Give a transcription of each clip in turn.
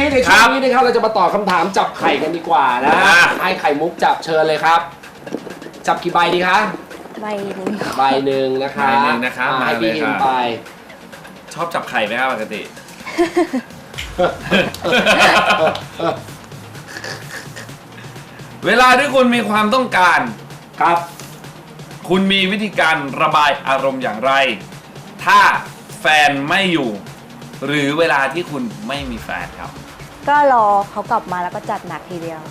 นี้นะครับเราจะมาตอบคำถามจับไข่กันดีกว่านะให้ไข่มุกจับเชิญเลยครับจับกี่ใบดีคะใบหนึ่งนะคะใบหนึ่งนะครับให้พี่เอ็มไปชอบจับไข่ไหมครับปกติ เวลาที่คุณมีความต้องการครับคุณมีวิธีการระบายอารมณ์อย่างไร ถ้าแฟนไม่อยู่หรือเวลาที่คุณไม่มีแฟนครับก็รอเขากลับมาแล้วก็จัดหนักทีเดียว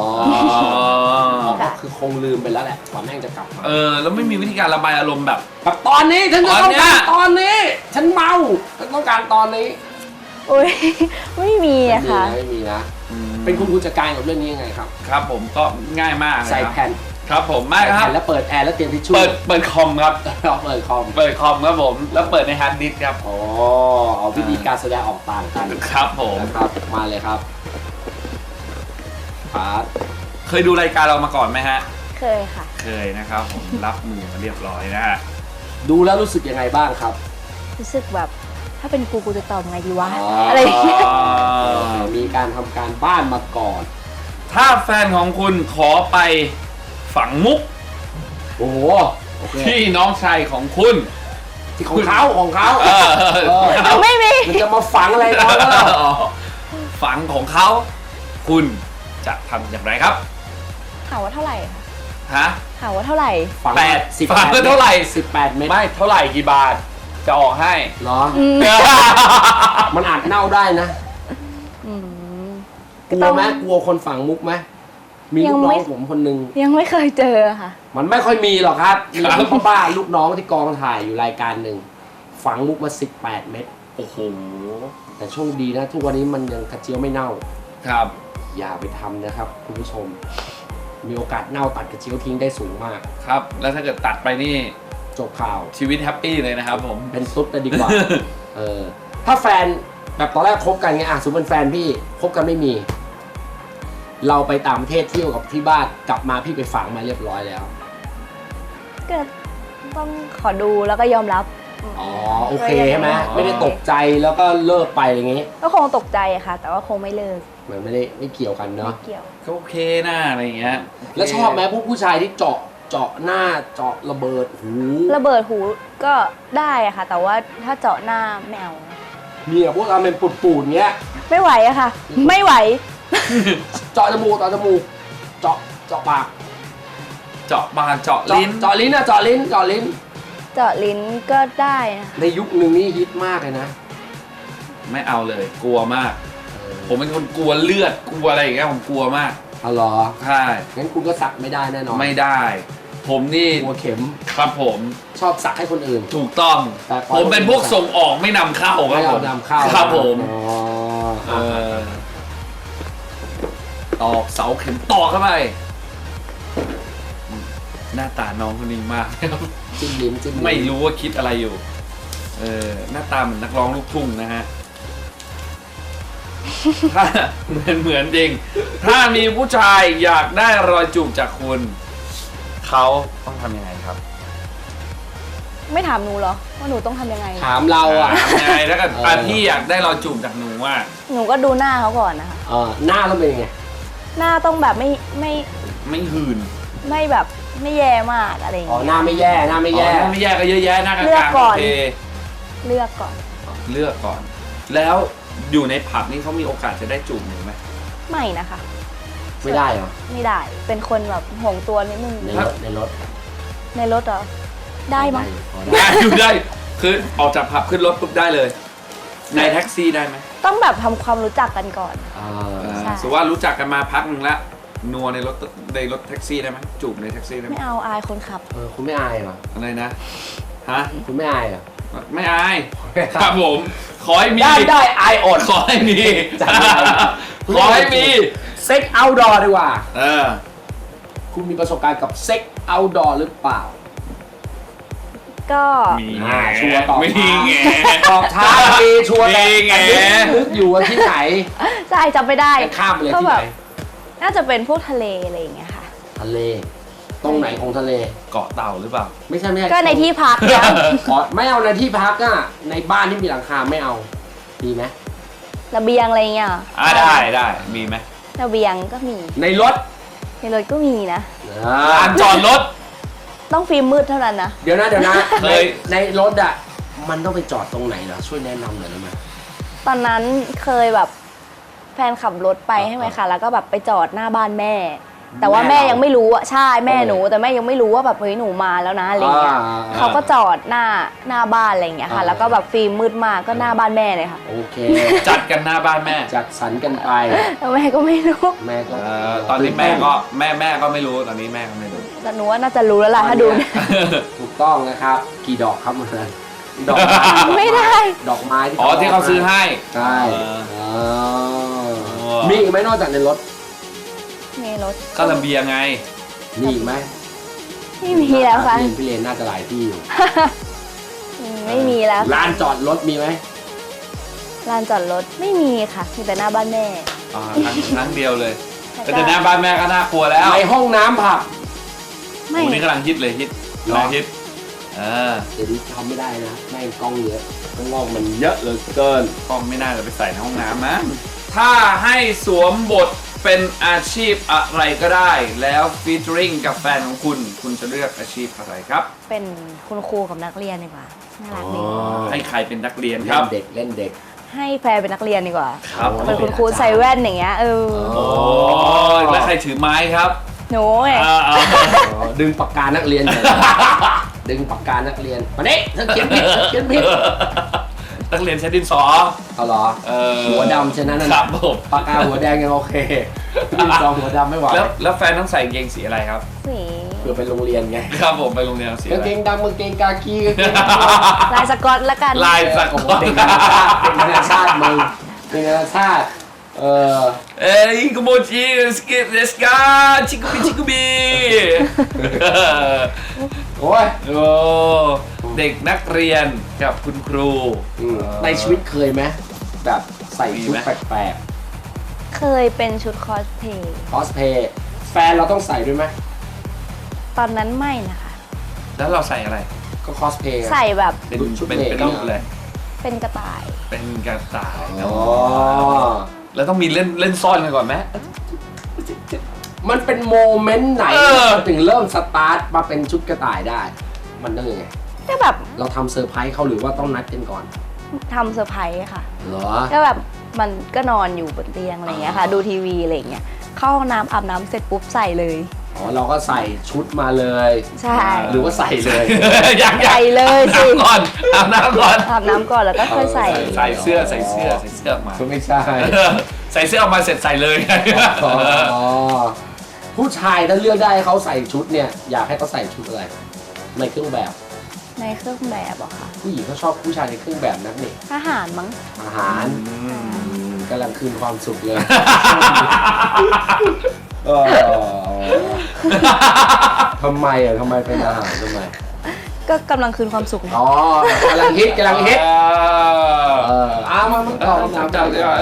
ก็คือคงลืมไปแล้วแหละว่าแม่งจะกลับมาแล้วไม่มีวิธีการระบายอารมณ์แบบตอนนี้ฉันต้องการตอนนี้ฉันเมาฉันต้องการตอนนี้อุ้ยไม่มีอะค่ะไม่มีนะเป็นคุณจัดการกับเรื่องนี้ยังไงครับครับผมก็ง่ายมากใส่แผ่นครับผมไม่ครับแล้วเปิดแอร์แล้วเตรียมทิชชู่เปิดคอมครับเปิดคอมครับผมแล้วเปิดในฮาร์ดดิสก์ครับเอาวิธีการแสดงออกต่างกันครับผมครับมาเลยครับเคยดูรายการเรามาก่อนไหมฮะเคยค่ะเคยนะครับผมรับมือมาเรียบร้อยนะฮะดูแล้วรู้สึกยังไงบ้างครับรู้สึกแบบถ้าเป็นกูจะตอบไงดีวะอะไรอย่างเงี้ยมีการทำการบ้านมาก่อนถ้าแฟนของคุณขอไปฝังมุกโอ้โหที่น้องชายของคุณที่ของเขาไม่มีมันจะมาฝังอะไรน้องแล้วฝังของเขาคุณจะทำอย่างไรครับถามว่าเท่าไหร่ฮะถามว่าเท่าไหร่ฝังเท่าไหร่ 18 เมตรไม่เท่าไหร่กี่บาทจะออกให้เหรอมันอาจเน่าได้นะกลัวไหมกลัวคนฝังมุกไหมมีลูกน้องผมคนนึงยังไม่เคยเจอค่ะมันไม่ค่อยมีหรอกครับมีพ่อบ้าลูกน้องที่กองถ่ายอยู่รายการหนึ่งฝังมุกมา18 เมตรโอ้โหแต่โชคดีนะทุกวันนี้มันยังกระเจียวไม่เน่าครับอย่าไปทำนะครับคุณผู้ชมมีโอกาสเน่าตัดกระเจียวทิ้งได้สูงมากครับแล้วถ้าเกิดตัดไปนี่จบข่าวชีวิตแฮปปี้เลยนะครับผมเป็นตุ๊ดจะดีกว่าถ้าแฟนแบบตอนแรกคบกันไงสมมติเป็นแฟนพี่คบกันไม่มีเราไปต่างประเทศเที่ยวกับที่บ้านกลับมาพี่ไปฝังมาเรียบร้อยแล้วก็ต้องขอดูแล้วก็ยอมรับโอเคใช่ไหมไม่ได้ตกใจแล้วก็เลิกไปอย่างงี้ก็คงตกใจค่ะแต่ว่าคงไม่เลิกเหมือนไม่เกี่ยวกันเนาะไม่เกี่ยวก็โอเคนะอะไรอย่างเงี้ยแล้วชอบไหมผู้ชายที่เจาะหน้าเจาะระเบิดหูก็ได้อะค่ะแต่ว่าถ้าเจาะหน้าแมวมีพวกเราเป็นปูดๆเงี้ยไม่ไหวอะค่ะไม่ไหวเจาะจมูกเจาะปากเจาะบานเจาะลิ้นเจาะลิ้นเจาะลิ้นก็ได้นะในยุคนึงนี่ฮิตมากเลยนะไม่เอาเลยกลัวมากผมเป็นคนกลัวเลือดกลัวอะไรอย่างเงี้ยผมกลัวมากเหรอใช่งั้นคุณก็สักไม่ได้แน่นอนไม่ได้ผมนี่กลัวเข็มครับผมชอบสักให้คนอื่นถูกต้องผมเป็นพวกส่งออกไม่นำเข้าครับผมนำเข้าครับผมตอกเสาเข็มตอกเข้าไปหน้าตาน้องคนนี้มากจิ้มลิ้มไม่รู้ว่าคิดอะไรอยู่หน้าตาเหมือนนักร้องลูกทุ่งนะฮะถ้าเหมือนจริงถ้ามีผู้ชายอยากได้รอยจูบจากคุณเขาต้องทำยังไงครับไม่ถามหนูเหรอว่าหนูต้องทำยังไงถามเรายังไงถ้าเกิดพี่อยากได้รอยจูบจากหนูว่าหนูก็ดูหน้าเขาก่อนนะคะหน้าต้องเป็นยังไงหน้าต้องแบบไม่หื่นไม่แบบไม่แย่มากอะไรอย่างเงี้ยหน้าไม่แย่ไม่แย่ก็เยอะแยะหน้ากลางเลือกก่อนเลือกก่อนแล้วอยู่ในผับนี่เขามีโอกาสจะได้จูบหนูไหมไม่นะคะไม่ได้เหรอไม่ได้เป็นคนแบบห่วงตัวนิดนึงในรถเหรอได้ไหมได้คือออกจากผับขึ้นรถปุ๊บได้เลยในแท็กซี่ได้ไหมต้องแบบทำความรู้จักกันก่อนสมมติว่ารู้จักกันมาพักหนึ่งแล้วนัวในรถแท็กซี่ได้ไหมจูบในแท็กซี่ได้ไหมไม่เอาอายคนขับคุณไม่อายเหรออะไรนะฮะคุณไม่อายเหรอไม่อายครับผมขอให้มีได้อายอดขอให้มีเซ็กเอาท์ดอร์ดีกว่าคุณมีประสบการณ์กับเซ็กเอาท์ดอร์หรือเปล่าก็มีชัวร์ตอบท้ามีชัวร์แต่นึกอยู่ว่าที่ไหนใช่จำไม่ได้ข้ามเลยที่ไหนน่าจะเป็นพวกทะเลอะไรอย่างเงี้ยค่ะทะเลตรงไหนของทะเลเกาะเต่าหรือเปล่าไม่ใช่ก็ในที่พักไม่เอาในที่พักอ่ะในบ้านที่มีหลังคาไม่เอาดีไหมระเบียงอะไรเงี้ยเหรอได้มีไหมระเบียงก็มีในรถในรถก็มีนะลานจอดรถต้องฟิล์มมืดเท่านั้นนะเดี๋ยวนะเคยในรถอ่ะมันต้องไปจอดตรงไหนเหรอช่วยแนะนำหน่อยได้ไหมตอนนั้นเคยแบบแฟนขับรถไปใช่ไหมคะแล้วก็แบบไปจอดหน้าบ้านแม่ แต่ว่าแม่ยังไม่รู้อะใช่แม่หนูแต่แม่ยังไม่รู้ว่าแบบเฮ้ยหนูมาแล้วนะอะไรเงี้ยเขาก็จอดหน้าบ้านอะไรเงี้ยค่ะแล้วก็แบบฟิล์มมืดมากก็หน้าบ้านแม่เลยค่ะโอเคจัดกันหน้าบ้านแม่จัดสรรกันไปแล้วแม่ก็ไม่รู้แม่ก็ตอนนี้แม่ก็แม่ก็ไม่รู้ตอนนี้แม่ก็ไม่รู้แต่หนูว่าน่าจะรู้แล้วล่ะถ้าดูเนี่ยถูกต้องนะครับ กี่ดอกครับมันดอกไม้ไม่ได้ดอกไม้อ๋อที่เขาซื้อให้ใช่อ๋อมีอีกไหมนอกจากในรถในรถก็ระเบียงไงมีอีกไหมไม่มีแล้วค่ะพี่เลนน่าจะหลายที่อยู่ไม่มีแล้วลานจอดรถมีไหมลานจอดรถไม่มีค่ะมีแต่หน้าบ้านแม่ครั้งเดียวเลยแล้วแต่หน้าบ้านแม่ก็น่ากลัวแล้วในห้องน้ำผับไม่วันนี้กำลังฮิตเลยฮิตหรอกำลังฮิตเดี๋ยวนี้ทำไม่ได้นะแม่งกล้องเยอะข้างนอกมันเยอะเหลือเกินกล้องไม่น่าจะไปใส่ในห้องน้ำนะถ้าให้สวมบทเป็นอาชีพอะไรก็ได้ แล้วฟีเจอริงกับแฟนของคุณจะเลือกอาชีพอะไรครับเป็นคุณครูกับนักเรียนดีกว่าน่ารักดีให้ใครเป็นนักเรียนคเล่รับนเด็กเล่นเด็กให้แฟนเป็นนักเรียนดีกว่าครับเป็นคุณครูใส่แว่นอย่างเงี้ยโอ้แล้วใครถือไม้ครับหนูไงดึงปากกานักเรียนเลยดึงปากกานักเรียนมาเนี่ยเธอเขียนผิดเขียนผิดนักเรียนใช้ดินสอเอาเหรอหัวดำฉะนั้นครับผมปากกาหัวแดงยังโอเคดินสอหัวดำไม่ไหวแล้วแฟนต้องใส่กางเกงสีอะไรครับสีเพื่อไปโรงเรียนไงครับผมไปโรงเรียนสีอะกางไรเกงดำกางเกงกากีกางเกงลายสกอตละกันลายสักโอ้โหเด็กนานาชาติเด็กนานาชาติมึงเด็กนานาชาติอิงโกโมจิสกิเดสกาชิคุบิชิคุบิโอ้ยโอ้เด็กนักเรียนกับคุณครูในชีวิตเคยไหมแบบใส่ชุดมีไหมแปลกเคยเป็นชุดคอสเพลย์ๆคอสเพย์แฟนเราต้องใส่ด้วยไหมตอนนั้นไม่นะคะแล้วเราใส่อะไรก็คอสเพย์ใส่แบบเป็นชุดเป็นเด็กเป็นรูปเลยเป็นกระต่ายเป็นกระต่ายอ๋อแล้วต้องมีเล่นซ่อนกันก่อนไหมมันเป็นโมเมนต์ไหน มันถึงเริ่มสตาร์ทมาเป็นชุดกระต่ายได้ มันต้องยังไงก็แบบเราทำเซอร์ไพรส์เขาหรือว่าต้องนัดกันก่อนทำเซอร์ไพรส์ค่ะเหรอก็แบบมันก็นอนอยู่บนเตียงอะไรเงี้ยค่ะ ดูทีวีอะไรเงี้ยเข้าห้องน้ำอาบน้ำเสร็จปุ๊บใส่เลยอ๋อเราก็ใส่ชุดมาเลยใช่หรือว่าใส่เลยยังใส่เลยสิอาบน้ำก่อนอาบน้ำก่อนแล้วก็ค่อยใส่ใส่เสื้อออกมาไม่ใช่ใส่เสื้อออกมาเสร็จใส่เลยอ๋อผู้ชายถ้าเลือกได้ให้เขาใส่ชุดเนี่ย อยากให้เขาใส่ชุดอะไรในเครื่องแบบในเครื่องแบบอะค่ะผู้หญิงเขาชอบผู้ชายในเครื่องแบบนักนี่ทหารมั้งอาหารกำลังคืนความสุขเลยทำไมอ่ะทำไมเป็นอาหารทำไมก็กำลังคืนความสุขไงอ๋อกำลังฮิตกำลังฮิตมาตอบคำถามจับดีกว่า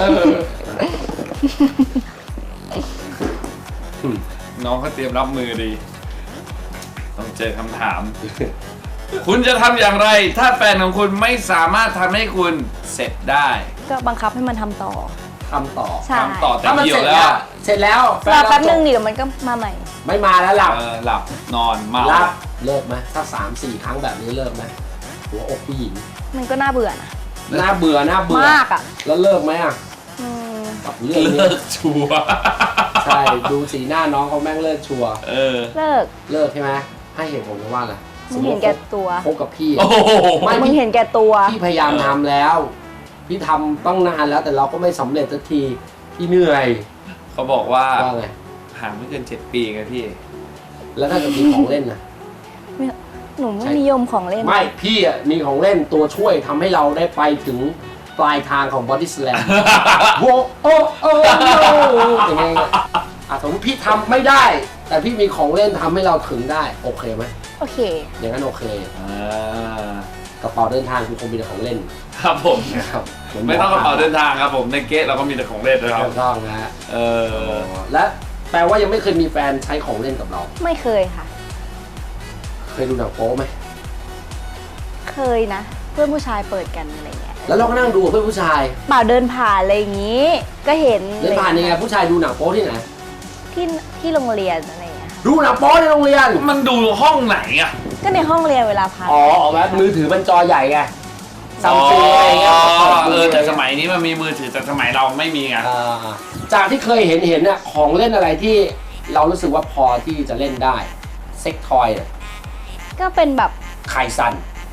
น้องเขาเตรียมรับมือดี ต้องเจอคำถาม คุณจะทำอย่างไร ถ้าแฟนของคุณไม่สามารถทำให้คุณเสร็จได้ก็บังคับให้มันทำต่อทำต่อใช่ทำต่อแต่ถ้ามันเดียเสร็วจแล้แล้ว วเสร็จแล้วรอแป๊บนึงเดี๋ยวมันก็มาใหม่ไม่มาแล้วหลับหลับนอนเมาหลับเลิกไหมถ้า3-4 ครั้งแบบนี้เลิกไหมหัวอกผู้หญิงมันก็น่าเบื่อนะน่าเบื่อมากอ่ะแล้วเลิกไหมอ่ะอืมกับเรื่องนี้เลิกชัวร์ใช่ดูสีหน้าน้องเขาแม่งเลิกชัวร์เลิกเลิกใช่ไหมให้เหตุผลว่าอะไรมึงเห็นแก่ตัวคบกับพี่โอ้โหไม่มึงเห็นแก่ตัวพี่พยายามทำแล้ว พี่ทำต้องนานแล้วแต่เราก็ไม่สำเร็จสักทีพี่เหนื่อยเขาบอกว่าว่าไงห่างไม่เกิน7 ปีไงพี่แล้วถ้าเกิดมีของเล่นนะหนูไม่นิยมของเล่นไม่พี่อ่ะมีของเล่นตัวช่วยทำให้เราได้ไปถึงปลายทางของบอดี้สแลม โว้โอ้โอ้อย่างเงี้ยสมมติพี่ทำไม่ได้ แต่พี่มีของเล่นทำให้เราถึงได้โอเคไหมโอเคอย่างนั้นโอเคกระเป๋าเดินทางคือคงมีแต่ของเล่นครับผมนะครับไม่ต้องกระเป๋าเดินทางครับผมในเก๊ะเราก็มีแต่ของเล่นนะครับถูกต้องนะฮะอและแปลว่ายังไม่เคยมีแฟนใช้ของเล่นกับเราไม่เคยค่ะเคยดูหนังโป๊ไหมเคยนะพื่อนผู้ชายเปิดกันอะไรเงี้ยแล้วเราก็นั่งดูกับเพื่อนผู้ชายเปล่าเดินผ่านอะไรอย่างงี้ ก็เห็นเดินผ่านยังไงผู้ชายดูหนังโป๊ที่ไหนที่โรงเรียนอะไรเงี้ยดูหนังโป๊ในโรงเรียนมันดูห้องไหนอ่ะก็ในห้องเรียนเวลาพักอ๋อเอาแบบมือถือมันจอใหญ่ไงซัมซุงอะไรเงี้ยแต่สมัยนี้มันมีมือถือแต่สมัยเราไม่มีไงจากที่เคยเห็นเนี่ยของเล่นอะไรที่เรารู้สึกว่าพอที่จะเล่นได้เซ็กทอยเนี่ยก็เป็นแบบไคซัน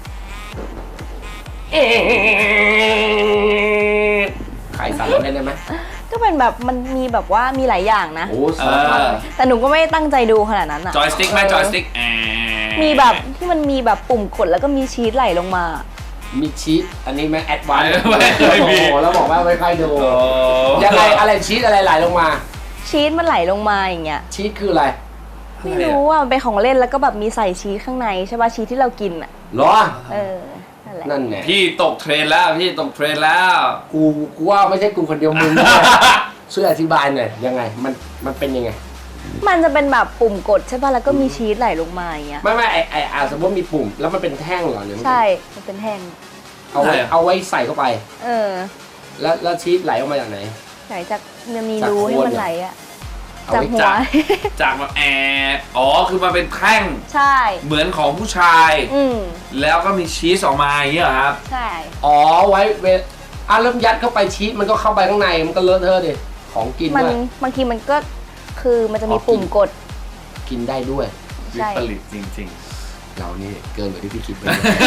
ไคซันเราเล่นได้ไหมก็เป็นแบบมันมีแบบว่ามีหลายอย่างนะโอ้สารพัดแต่หนูก็ไม่ได้ตั้งใจดูขนาดนั้นอ่ะจอยสติ๊กไหมจอยสติ๊กมีแบบที่มันมีแบบปุ่มกดแล้วก็มีชีสไหลลงมามีชีสอันนี้ไหมแอดวานซ์ไม่มีโอ้โหแล้วบอกว่าไม่ค่อยดูยังไงอะไรชีสอะไรไหลลงมาชีสมันไหลลงมาอย่างเงี้ยชีสคืออะไรไม่รู้อ่ะมันเป็นของเล่นแล้วก็แบบมีใส่ชีสข้างในใช่ป่ะชีสที่เรากินอ่ะเหรอนั่นแหละนั่นไงพี่ตกเทรนแล้วพี่ตกเทรนแล้วกูว่าไม่ใช่กูคนเดียวมึงด้วยช่วยอธิบายหน่อยยังไงมันเป็นยังไงมันจะเป็นแบบปุ่มกดใช่ป่ะแล้วก็มีชีสไหลลงมาอย่างเงี้ยไม่สมมติมีปุ่มแล้วมันเป็นแท่งเหรอหรือมันเป็นใช่มันเป็นแท่งเอาไว้ใส่เข้าไปเออแล้วชีสไหลออกมาจากไหนไหลจากมันมีจากรูโคนให้มันไหลอ่ะเอาจากไว้หัวจากแบบอ๋อคือมันเป็นแท่งใช่เหมือนของผู้ชาย แล้วก็มีชีสออกมาอย่างเงี้ยเหรอครับใช่อ๋อไว้เริ่มยัดเข้าไปชีสมันก็เข้าไปข้างในมันก็เลอะเทอะดิของกินมันด้วยบางทีมันก็คือมันจะมีปุ่มกดกินได้ด้วยใช่ผลิตจริงเรานี่เกินกว่าที่พี่คิดไป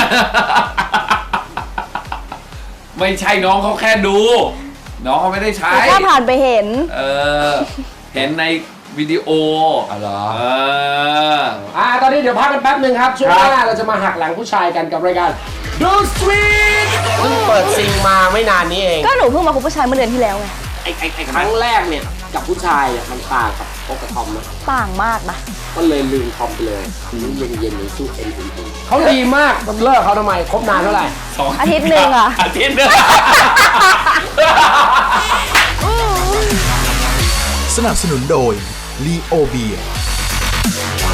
ๆ ไม่ใช่น้องเขาแค่ดู น้องเขาไม่ได้ใช้แต่ถ้าผ่านไปเห็นเห็นในวิดีโออ๋อเหรอเออตอนนี้เดี๋ยวพักกันแป๊บหนึ่งครับช่วงหน้าเราจะมาหักหลังผู้ชายกันกับรายการดูสวีทเพิ่งเปิดซิงมาไม่นานนี้เองก็หนูเพิ่งมาคบผู้ชายเมื่อเดือนที่แล้วไงไอ้ครั้งแรกเนี่ยกับผู้ชายเนี่ยมันต่างกับพบกับทอมนะต่างมากนะก็เลยลืมทอมไปเลยนี่เย็นๆเลยสู้เอ็นอุ่นๆเขาดีมากมันเลิกเขาทำไมคบนานเท่าไหร่อาทิตย์หนึ่งอะอาทิตย์หนึ่งสนับสนุนโดย Leo Beer